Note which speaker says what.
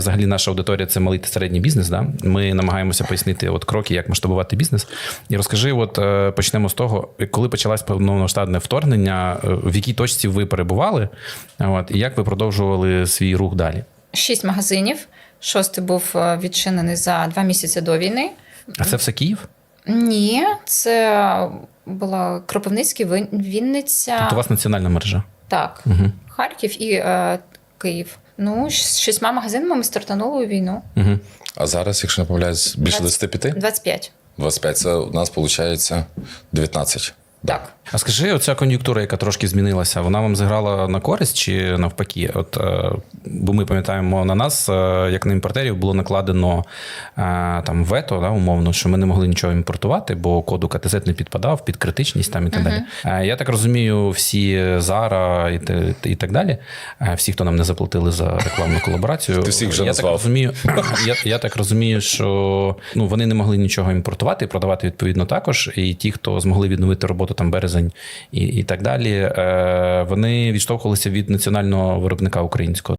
Speaker 1: Взагалі наша аудиторія – це малий та середній бізнес. Да? Ми намагаємося пояснити от кроки, як масштабувати бізнес. І розкажи, от почнемо з того, коли почалось повномасштабне вторгнення, в якій точці ви перебували, от, і як ви продовжували свій рух далі?
Speaker 2: 6 магазинів. 6-й був відчинений за 2 місяці до війни.
Speaker 1: А це все Київ?
Speaker 2: Ні, це була Кропивницький, Вінниця.
Speaker 1: Тобто у вас національна мережа?
Speaker 2: Так, Харків і Київ. Ну, з 6 магазинами ми стартанули у війну.
Speaker 1: Угу.
Speaker 3: А зараз, якщо не помиляюсь, більше 25?
Speaker 2: 25.
Speaker 3: 25. Це у нас, виходить, 19.
Speaker 2: Так.
Speaker 1: А скажи, оця кон'юнктура, яка трошки змінилася, вона вам зіграла на користь чи навпаки? От, бо ми пам'ятаємо, на нас, як на імпортерів, було накладено там вето, да, умовно, що ми не могли нічого імпортувати, бо код УКТЗ не підпадав під критичність там і так далі. Я так розумію, всі Zara і так далі, всі, хто нам не заплатили за рекламну колаборацію,
Speaker 3: Ти всіх вже назвав.
Speaker 1: Я так розумію, що вони не могли нічого імпортувати і продавати відповідно також. І ті, хто змогли відновити роботу там березень і так далі, вони відштовхувалися від національного виробника українського.